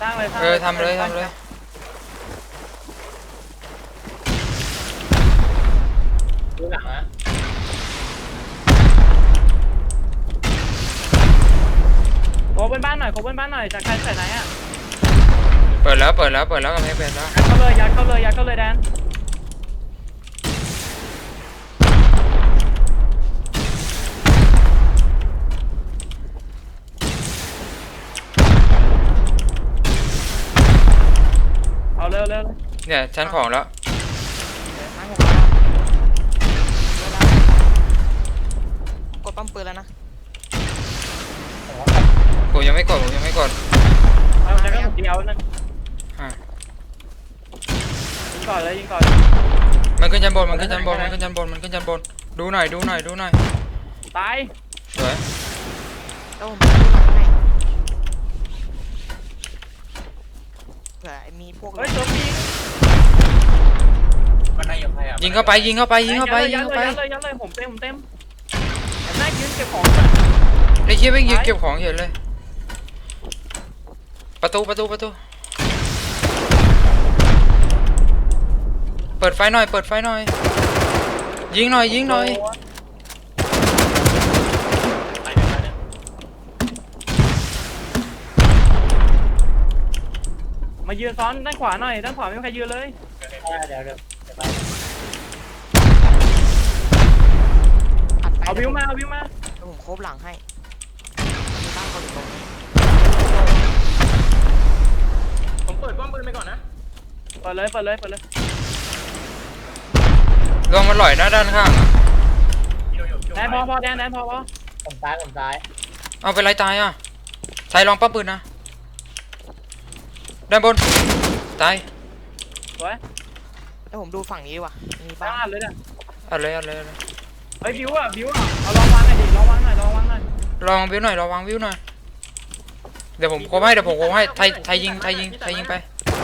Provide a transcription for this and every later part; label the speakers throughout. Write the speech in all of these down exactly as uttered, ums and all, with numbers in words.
Speaker 1: างเลย
Speaker 2: เออทำเลยทำเลย
Speaker 3: ดูหลังนะ
Speaker 1: โคบนบ้านหน่อยโคบนบ้านหน่อยจากใครใส่ไหนอ่ะ
Speaker 2: เปิดแล้วเปิดแล้วเปิดแล้วกำแพงเปิดแล้ว
Speaker 1: ยัดเข้าเลยยัดเข้าเลยยัดเข้าเลยแดนเอาเร็วเร็ว
Speaker 2: เนี่ยชั้นของแล้ว
Speaker 4: กดปั๊มปืนแล้วนะ
Speaker 2: ผมยังไม่กดผมยังไม่กด
Speaker 1: เอาจะก็ผมเดียวนั่นยิงก่อนเลยยิงก่อน
Speaker 2: มันขึ้นชั้นบนมันขึ้นชั้นบนมันขึ้นชั้นบนมันขึ้นชั้นบนดูหน่อยดูหน่อยดูหน่อย
Speaker 1: ตาย
Speaker 2: สวย
Speaker 4: แล้วผมดูหลังให้เผื่อมีพวก
Speaker 1: เฮ้ยตัวปีก
Speaker 3: มันได้ยังไงอ่ะ
Speaker 2: ยิงเข้าไปยิงเข้าไปยิงเข้าไปยิงเข้าไป
Speaker 1: ยัดเลยยัดเลยผมเต็มผมเต็มแม่ยืนเก็บของ
Speaker 2: ไอ้เชี่ยไม่ยิงเก็บของเห็นเลยประตูประตูประตูเปิดไฟหน่อยเปิดไฟหน่อยยิงหน่อยยิงหน่อย
Speaker 1: มายืนซ้อนด้านขวาหน่อยด้านขวาไม่มีใครยืนเลย
Speaker 3: เดี๋ยวเดี๋ยว
Speaker 1: เอาวิวมาเอาวิวมา
Speaker 4: ผมโคบหลังให้มีบ้านคนอยู่ตรงนี้
Speaker 3: ผมเปิดป้อมปืนไปก่อนนะ
Speaker 1: เปิดเลยเปิดเลยเปิดเลย
Speaker 2: ลงมาหล่อยหน้าด้านข้าง
Speaker 1: แดนพอพอแดนแดนพอพอ
Speaker 3: ผมซ้ายผมซ้าย
Speaker 2: เอาเป็นไรตายอ่ะใส่ลองปั๊มปืนนะด้านบนตาย
Speaker 1: สวย
Speaker 4: แล้วผมดูฝั่งนี้ดีกว่ามีบ้า
Speaker 1: บ้าน นเลยเนี่ย
Speaker 2: เอาเลยเอาเลยเอาเลย
Speaker 1: เฮ้ยบิวอ่ะบิวอ่ะเอาลองวางหน่อยดิลองวางหน่อยลองวางหน่อย
Speaker 2: ลองวิวหน่อยลองวางวิวหน่อยเดี๋ยวผมโคให้เดี๋ยวผมโคให้ไทยไทยยิงไทยยิงไทยยิงไป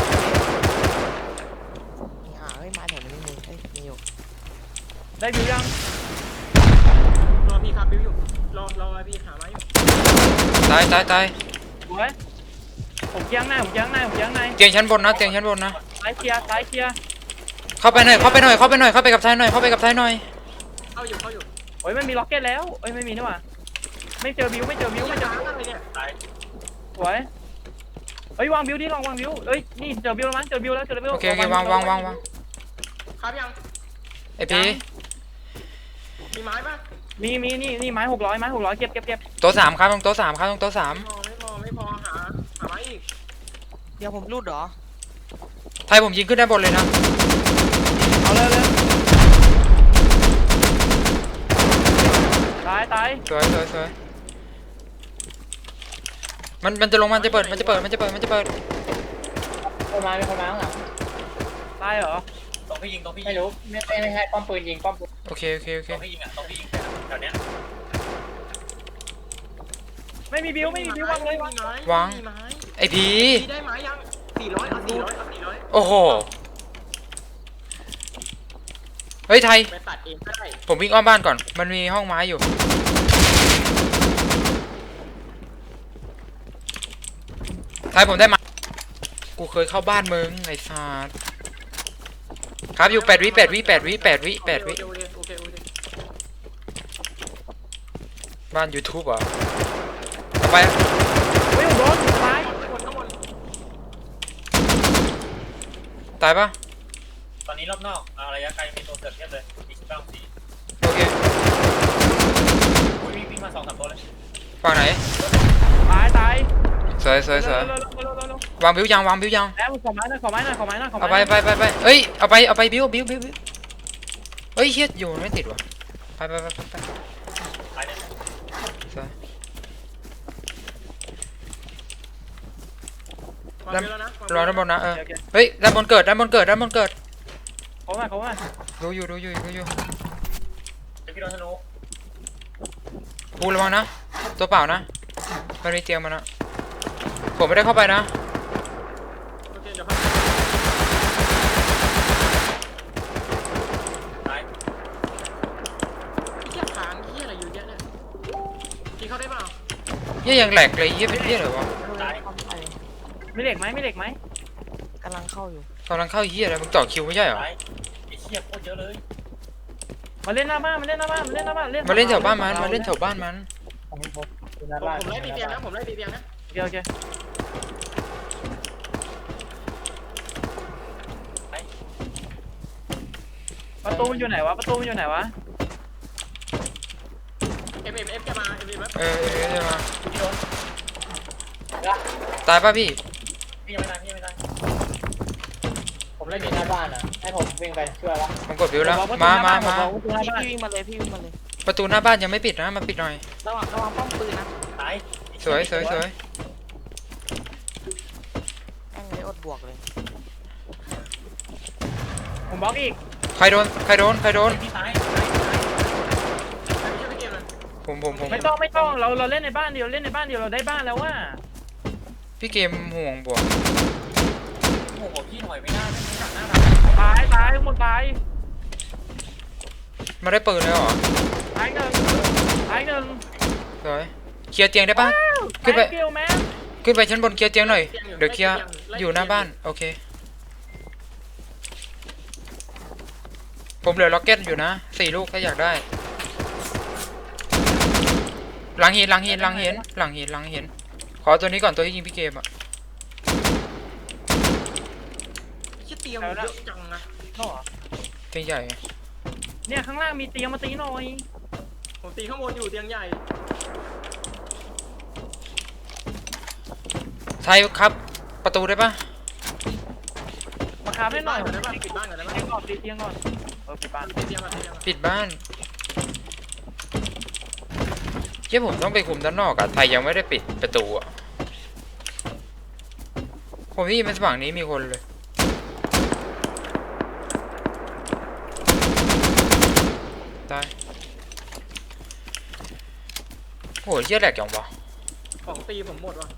Speaker 4: อ่าเฮ้ยมาแถวนี้มีเฮ้ยมีอยู่
Speaker 1: ได้บิวยัง
Speaker 3: รอพี่ครับบิวอยู่รอรอพี่หาไม้อยู่
Speaker 2: ตายตายตาย
Speaker 1: สวยผมเกี้ยงหน้าผมเกี้ยงหน้าผมเกี้ยงหน้า
Speaker 2: เตียงชั้นบนนะเตียงชั้นบนนะ
Speaker 1: ซ้ายเคลียร์ซ้ายเคลียร์
Speaker 2: เข้าไปหน่อยเข้าไปหน่อยเข้าไปหน่อยเข้าไปกับไทยหน่อยเข้าไปกับไทยหน่อย
Speaker 3: เข้าอยู่เข้าอยู่
Speaker 1: โอ้ยมันมีล็อกเก็ตแล้วเอ้ยไม่มีนี่หว่าไม่เจอบิวไม่เจอบิวไม่เจอบิวสวยเฮ้ยวางบิวดิลองวางบิวเอ้ยนี่เจอบิวแล้วมั้งเจอบิวแล้วเจอบิว
Speaker 2: โอเคโอเควางวางวางวาง
Speaker 3: ครับยัง
Speaker 2: ไอพี
Speaker 3: มีไม้ป่ะ
Speaker 1: มีมีนี่นี่ไม้หกร้อยไม้หกร้อยเก็บเก็บเก็บ
Speaker 2: โต๊ะสามครับตรงโต๊ะสามครับตรงโต๊ะสาม
Speaker 3: ไม่พอไม่พอหาหาไม้อีก
Speaker 4: เดี๋ยวผมรูดเหรอ
Speaker 2: ไทยผมยิงขึ้นด้านบนเลยนะ
Speaker 1: เอาเลยเลยตายตาย
Speaker 2: สวยสวยสวยมันมันจะลงมันจะเปิดมันจะเปิดมันจะเปิดมันจะเปิด
Speaker 3: คนมาเป็นคนมาข้างหลัง
Speaker 1: ตายเหรอ
Speaker 3: ต้องพี่ยิงต้องพี่ไม่รู้ไม่ไม่ไม่ให้ป้อมปืนยิงป้อมปืน
Speaker 2: โอเคโอเคโอเค
Speaker 3: ต้องพี่ยิงอ่ะต้องพี่ยิงแถวเนี้ย
Speaker 1: ไม่มีบิวไม่มีบิววางเลยวาง
Speaker 2: วางไอพี
Speaker 3: ได้ไม้ยังสี่ร้อยเอาสี่ร้อยเอาสี่ร้อย
Speaker 2: โอ้โหเฮ้ยไทย
Speaker 3: ไปตัดเองก็ได้
Speaker 2: ผมวิ่งอ้อมบ้านก่อนมันมีห้องไม้อยู่ไทยผมได้มากูเคยเข้าบ้านมึงไอ้สัสครับอยู่แปดวิแปดวิแปดวิแปดวิแปดวิบ้าน YouTube เหรอไป
Speaker 1: เฮ้ยโดนตาย
Speaker 2: ตายปะ
Speaker 3: ตอนนี้รอบนอกระยะไกลมีตัวเสือกเทียบเลยอีกเก้าสี่
Speaker 2: โอเค
Speaker 3: วิ่งวิ่งมาสองสามตัวเลย
Speaker 2: ฝั่งไหน
Speaker 1: ตายตาย
Speaker 2: สวยสวยสวย วางบิวยังวางบิวยัง
Speaker 1: แล้วขอไม้หน่อยขอไม้หน่อยขอไม้หน่อยขอไม้
Speaker 2: เอาไปไปไปไปเอ้ยเอาไปเอาไปบิวบิวบิวบิวเฮ้ยเฮียอยู่ไม่ติดว่ะไปไปไปไปไปสวยรอด้านบนนะเออเฮ้ยด้านบนเกิดด้านบนเกิดด้านบนเกิด
Speaker 1: เขามาเขามา
Speaker 2: ดูอยู่ดูอยู่ดูอยู่
Speaker 3: จะพี่โดนธนู
Speaker 2: ปูระวังนะตัวเปล่านะมันมีเตียงมันนะผมไม่ได้เข้าไปนะ
Speaker 3: โอเคเดี๋ยวพักตายที่ค้างที่อะไรอยู่เยอะเนี่ยที่เข้าได้เปล่า
Speaker 2: เฮียยังแหลกเลยเฮียเป็นเฮียเหรอวะ
Speaker 1: มีเหล็กไหมมีเหล็กไหม
Speaker 4: กำลังเข้าอยู่
Speaker 2: กำลังเข้าเฮียอะไรมึงต่อคิวไม่ใช่เหรอ
Speaker 5: ไอ้เชี่ยโคตรเยอะเลย
Speaker 1: มาเล่นหน้าบ้านมาเล่นหน้าบ้านมาเล่นหน้าบ้านเล่น
Speaker 2: มาเล่นแถวบ้านมันมาเล่นแถวบ้านมัน
Speaker 5: ผมผม
Speaker 3: ผมผมไล่ตีเตียงนะผมไล่ตีเตียงนะ
Speaker 1: โอเคโอเคประตูมันอยู่ไหนวะประตูมันอยู่ไหนวะ
Speaker 3: เอ็มเอ็มเอฟจะมาเอ็มเอ็มเอฟ
Speaker 2: เออเออเออมา
Speaker 5: พี่โดน
Speaker 2: ตายป่ะพี่
Speaker 5: พี่ยังไม่ตายพี่ยังไม่ตายผมเล่นอยู่หน้าบ้านอ่ะให้ผมวิ่งไปช่วยละ
Speaker 2: ผมกดวิวแล้วมามามา
Speaker 1: ประตูหน้า
Speaker 4: พี่
Speaker 1: บ้าน
Speaker 4: พี่วิ่งมาเลยพี่วิ่งมาเลย
Speaker 2: ประตูหน้าบ้านยังไม่ปิดนะมาปิดหน่อย
Speaker 4: ระวังระวังป้อมปืนนะ
Speaker 5: ตาย
Speaker 2: สวยสวยสวย
Speaker 4: แม่งเลยอดบวกเลย
Speaker 1: ผมบล็อกอีก
Speaker 2: ใครโดนใครโดนใครโดน
Speaker 5: พี่ตาย
Speaker 3: ไม่ใช่พี่เกมนะ
Speaker 2: ผมผมผม
Speaker 1: ไม่ต้องไม่ต้องเราเราเล่นในบ้านเดียวเล่นในบ้านเดียวเราได้บ้านแล้วว่า
Speaker 2: พี่เกมห่วงบวก
Speaker 5: โอ้โหพี่หน่อยไม่ได้ไม่หนักหน้า
Speaker 1: ตายตายทุกคนตาย
Speaker 2: มาได้ปืนเลยเหรอ
Speaker 1: ตายหนึ่งตายหนึ่ง
Speaker 2: สวยเคลียร์เตียงได้ปะ ขึ้นไป
Speaker 1: แมสกิลแมส
Speaker 2: ขึ้นไปชั้นบนเคลียร์เตียงหน่อยเดี๋ยวเคลียร์อยู่หน้าบ้านโอเคผมเหลือล็อกเก็ตอยู่นะสี่ลูกถ้าอยากได้หลังหินหลังหินหลังหินหลังหินหลังหินขอตัวนี้ก่อนตัวที่ยิงพี่เกมอะ
Speaker 3: ชื่อเตียงเยอะจังนะ
Speaker 1: เข้าเหรอ
Speaker 2: เตียงใหญ่ไง
Speaker 1: เนี่ยข้างล่างมีเตียงมาตีหน่อย
Speaker 3: ผมตีข้างบนอยู่เตียงใหญ่
Speaker 2: ไทยครับประตูได้ปะ
Speaker 1: มาคาบให้หน่อย
Speaker 3: ก่อนได้ป่ะปิดบ้านก่อนได้ป่ะ
Speaker 1: เตียงก่อนตีเตียงก่อนเออปิดบ้าน
Speaker 3: ตีเตียงก่อนตีเตียงก่อน
Speaker 2: ปิดบ้านเฮ้ยผมต้องไปคุมด้านนอกอะไทยยังไม่ได้ปิดประตูอะผมที่มันฝั่งนี้มีคนเลยตายโอ้ยเชี่ยแหลกจังวะ
Speaker 3: ของตีผมหมดว่ะ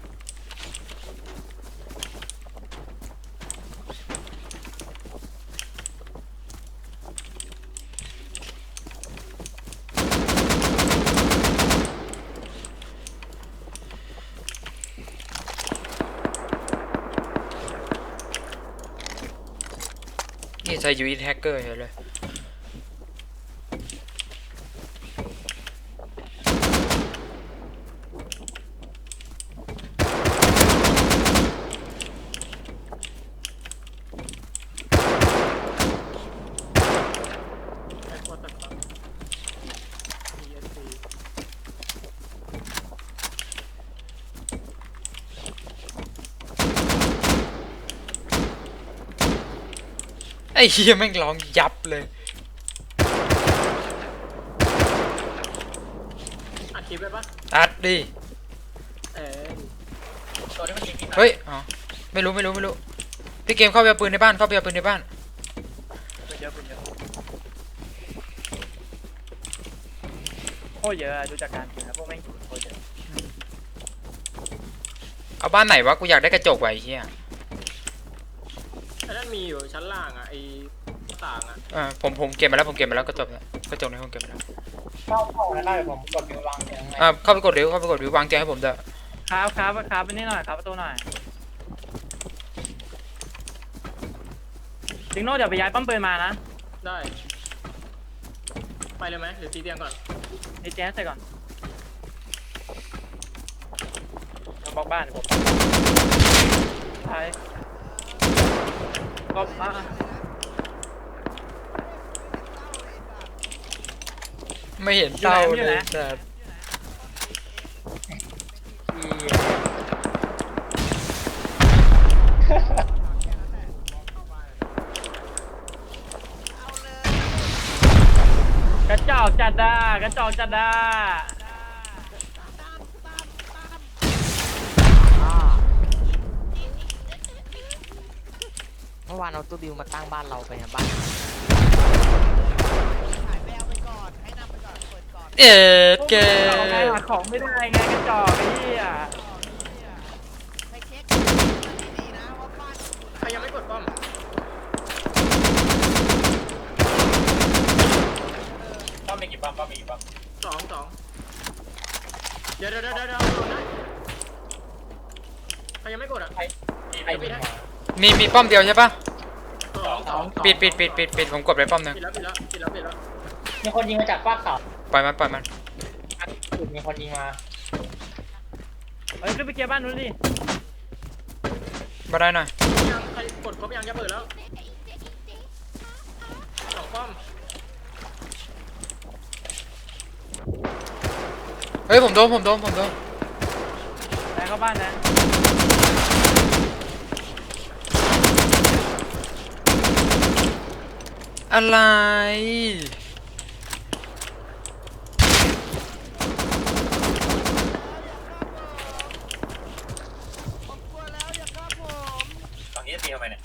Speaker 2: นี่ใช้ยูอิทแฮกเกอร์เฉยเลยไอ้เฮียแม่งร้องยับเลย
Speaker 3: อัดคลิปไปปะ
Speaker 2: อัดดิ
Speaker 3: เออ
Speaker 5: ตัวนี้มันยิงพี่ตาย
Speaker 2: เฮ้ยอ๋อไม่รู้ไม่รู้ไม่รู้พี่เกมเข้าไปเอาปืนในบ้านเข้าไปเอาปืนในบ้าน
Speaker 1: เป็นเยอะเป็นเยอะโคตรเยอะอะดูจากการกินนะพวกแม่งกินโคตรเยอะ
Speaker 2: เอาบ้านไหนวะกูอยากได้กระจกไว้ไอ้เฮีย
Speaker 3: ไอ้นั่นมีอยู่ชั้นล่างอ่ะไอ้ต่างอ่ะ
Speaker 2: อ่าผมผมเก็บมาแล้วผมเก็บมาแล้วกระจกเนี่ยกระจกในห้องเก็บมาแล้ว
Speaker 5: เข้าเข้าแล้วได้ผมกดนิ้ววางอย่างไร
Speaker 2: อ่าเข้าไปกดเร็วเข้าไปกดวิววางเตียงให้ผมเถอะ
Speaker 1: ครับครับครับไปนี่หน่อยครับประตูหน่อยจิงโน่เดี๋ยวไปย้ายปั๊มปืนมานะ
Speaker 3: ได้ไปเลยไหมหรือตีเตียงก่อน
Speaker 1: ไอ้แจ๊สใส่ก่อนเราบล็อกบ้านผมใช่บล็อกอ่ะ
Speaker 2: ไม่เห็นเต้าเลยแต่
Speaker 1: กระจอกจัดด้ากระจอกจัดด้า
Speaker 4: อ่าเมื่อวานเอาตู้บิวมาตั้งบ้านเราไปนะบ้าน
Speaker 2: เอ็ดเก
Speaker 1: เอาไงหาของไม่ได้ไงกระจอกไอ้เหี้ย
Speaker 3: ใครยังไม่กดป้อม
Speaker 5: ป้อมมีกี่ป้อมป้อมมีกี่ป้อม
Speaker 3: สองสองเดี๋ยวเดี๋ยวเดี๋ยวเดี๋ยวโดนนะรยังไม่กดอ่ะ
Speaker 5: ไอ้ไอ้บินมา
Speaker 2: มีมีป้อมเดียวใช่ปะ
Speaker 3: สอง
Speaker 5: สอง
Speaker 2: ปิดปิดปิดปิดปิดผมกดไปป้อมหนึง
Speaker 3: ปิดแล้วปิดแล้วปิดแล้วปิดแล้ว
Speaker 5: มีคนยิงมาจากฟากเขา
Speaker 2: ปล่อยมันปล่อยมัน
Speaker 5: จุดมีคนยิงมา
Speaker 1: เฮ้ยขึ้นไปเคลียร์บ้านนู้นดิ
Speaker 2: มาได้หน่อย
Speaker 3: ยังใครกดครบยังจะเปิดแล้วสองป้อม
Speaker 2: เฮ้ยผมโดนผมโดนผมโดน
Speaker 1: แทงเข้าบ้านนะ
Speaker 2: อะไร
Speaker 6: ตอนนี้จะตีทำไมเนี่ย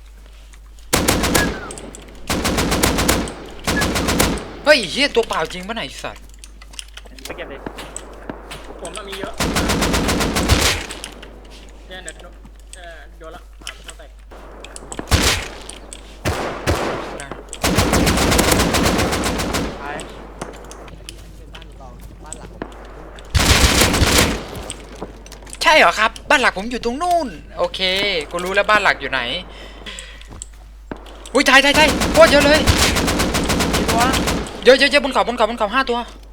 Speaker 2: เฮ้ยเฮียตัวเปล่าจริงปะไหนยไอ้สัตว์
Speaker 1: ไปเก็บเลย
Speaker 3: ผมมันมีเยอะเนี่ยเดี๋ยวเออโดนละสามเข้าแตก
Speaker 1: ตาย
Speaker 4: เป็นบ้านรองบ้านหลักผม
Speaker 2: ใช่เหรอครับบ้านหลักผมอยู่ตรงนู่นโอเคกูรู้แล้วบ้านหลักอยู่ไหนอุ้ยไทยไทยไทยโคตรเยอะเลย
Speaker 1: กี่ตัว
Speaker 2: เยอะเยอะเยอะบนเขาบนเขาบนเขาห้าตัว